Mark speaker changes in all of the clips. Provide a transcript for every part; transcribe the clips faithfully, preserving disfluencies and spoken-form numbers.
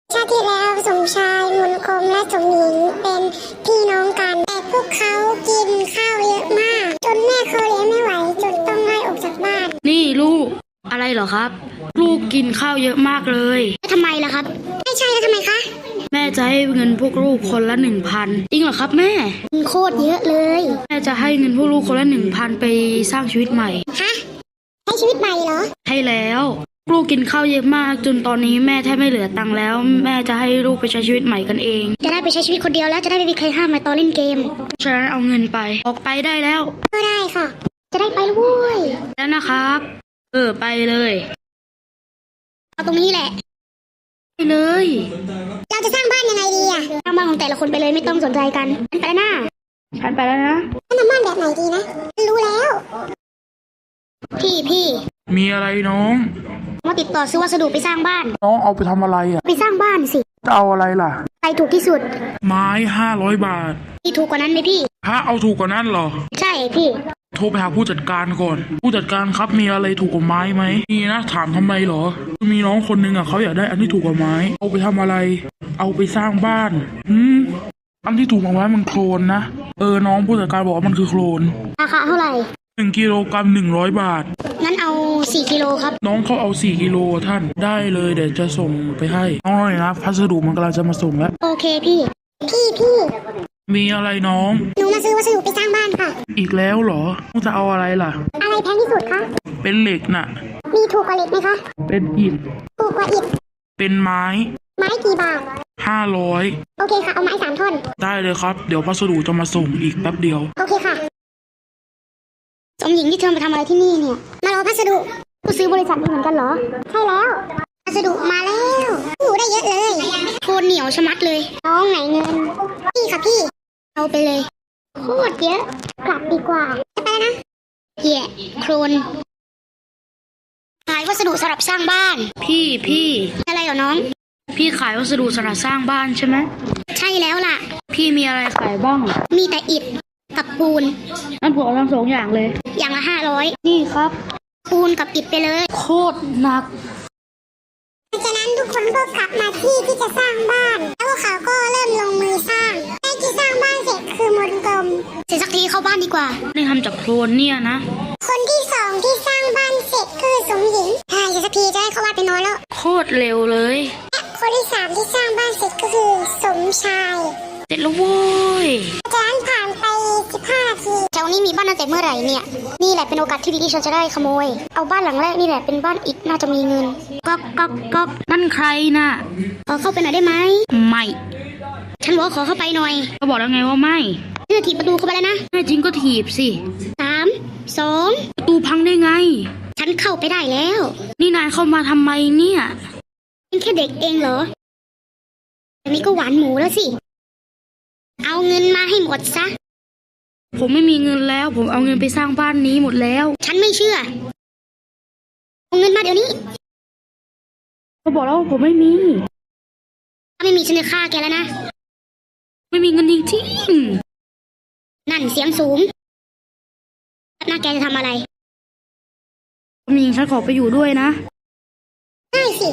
Speaker 1: ชาติที่แล้วสมชายมนคมและสมหญิงเป็นพี่น้องกันแต่พวกเขากินข้าวเยอะมากจนแม่เขาเลี้ยงไม่ไหวจนต้องไล่ออกจากบ้าน
Speaker 2: นี่ลูกอะไรเหรอครับ ลูกกินข้าวเยอะมากเลย
Speaker 1: ทำไมล่ะครับไม่ใช่แล้วทำไมคะ
Speaker 2: แม่จะให้เงินพวกลูกคนละหนึ่งพันจริงเหรอครับแม่
Speaker 1: โคตรเยอะเลย
Speaker 2: แม่จะให้เงินพวกลูกคนละหนึ่งพันไปสร้างชีวิตใหม่
Speaker 1: ฮะให้ชีวิตใหม่เหรอ
Speaker 2: ใช่แล้วลูกกินข้าวเยอะมากจนตอนนี้แม่แทบไม่เหลือตังค์แล้วแม่จะให้ลูกไปใช้ชีวิตใหม่กันเอง
Speaker 1: จะได้ไปใช้ชีวิตคนเดียวแล้วจะได้ไม่มีใครห้ามมาตอนเล่นเกม
Speaker 2: ฉะนั้นเอาเงินไปออกไปได้แล้ว
Speaker 1: ก็ได้ค่ะจะได้ไปแล้วเว้ย
Speaker 2: แล้วนะครับเออไปเลย
Speaker 1: เอาตรงนี้แหละ
Speaker 2: ไปเลย
Speaker 1: เราจะสร้างบ้านยังไงดีอะสร้างบ้านของแต่ละคนไปเลยไม่ต้องสนใจกันฉันไปแล้วนะ
Speaker 2: ฉันไปแล้วนะ
Speaker 1: ฉันทำบ้านแบบไหนดีนะรู้แล้วพี่พี่
Speaker 3: มีอะไรน้อง
Speaker 1: มาติดต่อซื้อวัสดุไปสร้างบ้าน
Speaker 3: น้องเอาไปทำอะไรอ่ะ
Speaker 1: ไปสร้างบ้านสิ
Speaker 3: จะเอาอะไรล่ะ
Speaker 1: ใครถูกที่สุด
Speaker 3: ไม้ห้าร้อยบาท
Speaker 1: พี่ถูกกว่านั้นไหมพี่
Speaker 3: ฮะเอาถูกกว่านั้นเหรอ
Speaker 1: ใช่พี่
Speaker 3: โทรไปหาผู้จัดการก่อนผู้จัดการครับมีอะไรถูกกว่าไม้ไหมมีนะถามทำไมเหรอมีน้องคนนึงอ่ะเขาอยากได้อันที่ถูกกว่าไม้เอาไปทำอะไรเอาไปสร้างบ้านอืมอันที่ถูกกว่าไม้มันโคลนนะเออน้องผู้จัดการบอกว่ามันคือโคลน
Speaker 1: ราคาเท่าไหร่
Speaker 3: หนึ่งกิโลกรัมหนึ่งร้อยบาท
Speaker 1: งั้นเอาสี่กิโลครับ
Speaker 3: น้องเขาเอาสี่กิโลท่านได้เลยเดี๋ยวจะส่งไปให้น้องหน่อยนะพัสดุมันกำลังจะมาส่งแล้ว
Speaker 1: โอเคพี่พี่พี่
Speaker 3: มีอะไรน้อง
Speaker 1: หนูมาซื้อวัสดุไปสร้างบ้านค่ะ
Speaker 3: อีกแล้วเหรอต้องจะเอาอะไรล่ะ
Speaker 1: อะไรแพงที่สุดคะ
Speaker 3: เป็นเหล็กน่ะ
Speaker 1: มีถูกกว่าเหล็กไหมคะ
Speaker 3: เป็นอิฐ
Speaker 1: ถูกกว่าอิฐ
Speaker 3: เป็นไม้
Speaker 1: ไม้กี่บาท
Speaker 3: ห้าร้อย
Speaker 1: โอเคค่ะเอาไม้สามท่อน
Speaker 3: ได้เลยครับเดี๋ยวพัสดุจะมาส่งอีกแป๊บเดียว
Speaker 1: โอเคค่ะสมหญิงที่เธอมาทำอะไรที่นี่เนี่ยมารอพัสดุผู้ซื้อบริษัทเหมือนกันเหรอใช่แล้วพัสดุมาแล้วหนูได้เยอะเลยโคตรเหนียวชะมัดเลยน้องไหนเงินพี่ค่ะพี่เอาไปเลยโคตรเยอะกลับดีกว่าจะไปแล้วนะเหี้ยโครนขายวัสดุสำหรับสร้างบ้าน
Speaker 2: พี่พี่
Speaker 1: อะไรเหรอน้อง
Speaker 2: พี่ขายวัสดุสำหรับสร้างบ้านใช่ไหม
Speaker 1: ใช่แล้วล่ะ
Speaker 2: พี่มีอะไรขายบ้าง
Speaker 1: มีแต่อิฐกับปูน
Speaker 2: งั้นผมเอาทั้งสองอย่างเลย
Speaker 1: อย่างละห้าร้อย
Speaker 2: นี่ครับ
Speaker 1: ปูนกับอิฐไปเลย
Speaker 2: โคตรหนัก
Speaker 1: จากนั้นทุกคนก็กลับมาที่ที่จะสร้างบ้านแล้วพวกเขาก็เริ่มลงมือสร้างใกล้ที่สร้างบ้านเสร็จคือมนกลมเสร็จสักทีเข้าบ้านดีกว่า
Speaker 2: นี่ทำจากโคลนเนี่ยนะ
Speaker 1: คนที่สองที่สร้างบ้านเสร็จคือสมหญิงใช่สักทีจะให้เขาบ้านไปนอนแล้ว
Speaker 2: โคตรเร็วเลย
Speaker 1: และคนที่สามที่สร้างบ้านเสร็จก็คือสมชาย
Speaker 2: เสร็จแล้วโว้ย
Speaker 1: จากนั้นผ่านไปสิบห้านาทีแถวนี้มีบ้านตั้งแต่เมื่อไหร่เนี่ยนี่แหละเป็นโอกาสที่ดีที่ฉันจะได้ขโมยเอาบ้านหลังแรกนี่แหละเป็นบ้านอิฐน่าจะมีเงินก๊อกก๊อกก๊อก
Speaker 2: นั่นใครน่ะ
Speaker 1: ขอเข้าไปหน่อยได้ไหม
Speaker 2: ไม่
Speaker 1: ฉันบอกขอเข้าไปหน่อย
Speaker 2: เขาบอกแล้วไงว่าไม่
Speaker 1: เธอถีบประตูเข้าไปแล้วนะ
Speaker 2: แน่จริงก็ถีบสิ
Speaker 1: สามสอง
Speaker 2: ประตูพังได้ไง
Speaker 1: ฉันเข้าไปได้แล้ว
Speaker 2: นี่นายเข้ามาทำไมเนี่ย
Speaker 1: เป็นแค่เด็กเองเหรออันนี้ก็หวานหมูแล้วสิเอาเงินมาให้หมดซะ
Speaker 2: ผมไม่มีเงินแล้วผมเอาเงินไปสร้างบ้านนี้หมดแล้ว
Speaker 1: ฉันไม่เชื่อเอาเงินมาเดี๋ยวนี้
Speaker 2: เขาบอกแล้วว่าผมไม่มี
Speaker 1: ถ้าไม่มีฉันจะฆ่าแกแล้วนะ
Speaker 2: ไม่มีเงินจริง
Speaker 1: ๆนั่นเสียงสูงหน้าแกจะทำอะไร
Speaker 2: มีฉันขอไปอยู่ด้วยนะ
Speaker 1: ได้สิ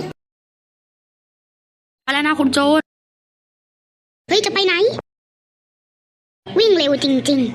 Speaker 2: ไปแล้วนะคุณโจร
Speaker 1: เฮ้ยจะไปไหนวิ่งเร็วจริง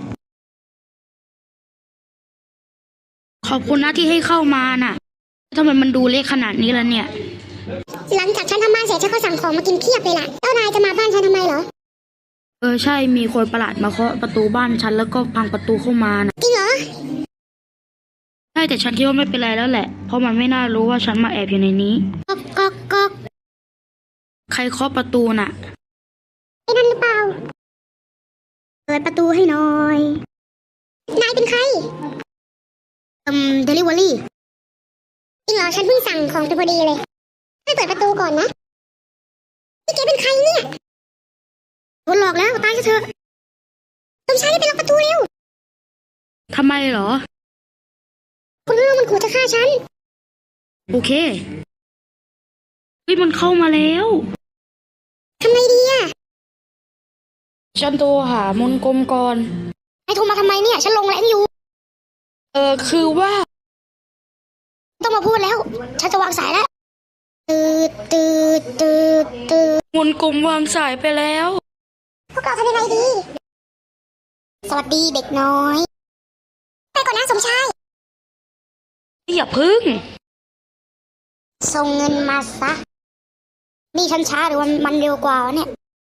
Speaker 2: ๆขอบคุณนะที่ให้เข้ามาน่ะทำไมมันดูเล็กขนาดนี้ล่ะเนี่ย
Speaker 1: หลังจากฉันทำบ้านเสร็จฉันก็สั่งของมากินเพียบเลยล่ะเจ้านายจะมาบ้านฉันทำไมเหรอ
Speaker 2: เออใช่มีคนประหลาดมาเคาะประตูบ้านฉันแล้วก็พังประตูเข้ามานะ
Speaker 1: จริงเหรอ
Speaker 2: ใช่แต่ฉันคิดว่าไม่เป็นไรแล้วแหละเพราะมันไม่น่ารู้ว่าฉันมาแอบอยู่ในนี้
Speaker 1: ก๊อกก๊อกก๊อก
Speaker 2: ใครเคาะประตูน่ะ
Speaker 1: ไอ้นั่นหรือเปล่าเปิดประตูให้หน่อยนายเป็นใครอืมเดลิเวอรี่จริงเหรอฉันเพิ่งสั่งของไปพอดีเลยให้เปิดประตูก่อนนะนี่แกเป็นใครเนี่ยโดนหลอกแล้วตายซะเถอะสมชายได้ไปล็อกประตูเร็ว
Speaker 2: ทำไมเหรอ
Speaker 1: คุณรู้มันขู่จะฆ่าฉัน
Speaker 2: โอเคเฮ้ยมันเข้ามาแล้ว
Speaker 1: ทำไงดีอะ
Speaker 2: ฉันโทรหามนกลมก่อน
Speaker 1: ไอ้โทรมาทำไมเนี่ยฉันลงแรงอยู่
Speaker 2: เออคือว่า
Speaker 1: ต้องมาพูดแล้วฉันจะวางสายแล้วตืดตืดตืดตืด
Speaker 2: มนกลมวางสายไปแล้ว
Speaker 1: พวกเราทำยังไงดี สวัสดีเด็กน้อย ไปก่อนนะสมชาย
Speaker 2: อย่าพึ่ง
Speaker 1: ส่งเงินมาซะ นี่ฉันช้าหรือว่ามันเร็วกว่าวะเนี่ย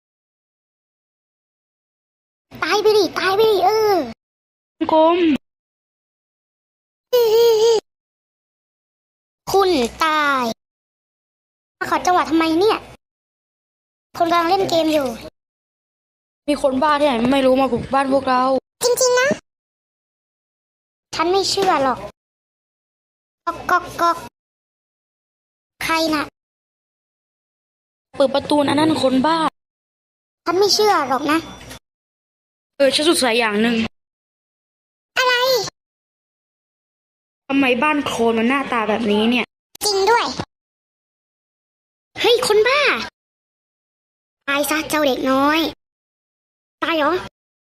Speaker 1: ตายไปดิ ตายไปดิ เออ
Speaker 2: มนกลม
Speaker 1: คุณตาย มาขอจังหวะทำไมเนี่ย คนกำลังเล่นเกมอยู่
Speaker 2: มีคนบ้าที่ไหนไม่รู้มาบุกบ้านพวกเรา
Speaker 1: จริงๆนะ ฉันไม่เชื่อหรอกก๊อกก๊อกก๊อกใครน่ะ
Speaker 2: เปิดประตูอันนั้นคนบ้า
Speaker 1: ฉันไม่เชื่อหรอกนะ
Speaker 2: เออฉันสงสัยอย่างหนึ่ง
Speaker 1: อะไร
Speaker 2: ทำไมบ้านโคลนมันหน้าตาแบบนี้เนี่ย
Speaker 1: จริงด้วย เฮ้ย คนบ้า ตายซะเจ้าเด็กน้อย ตายเหรอ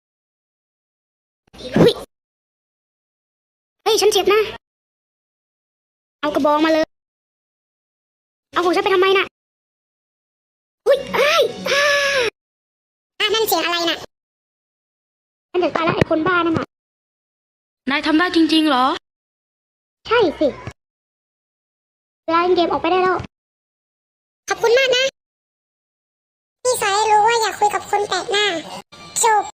Speaker 1: เฮ้ย เฮ้ย ฉันเจ็บนะ เอากระบองมาเลย เอาของฉันไปทำไมน่ะเฮ้ยไอ้ายอ่าอ่ะนั่นเสียงอะไรน่ะฉันจะตายแล้วไอ้คนบ้านั่นน่ะ
Speaker 2: นายทำได้จริงๆเหรอ
Speaker 1: ใช่สิเวลาเล่นเกมออกไปได้แล้ว ขอบคุณมากนะ พี่สายรู้ว่าอยากคุยกับคนแปลกหน้า จบ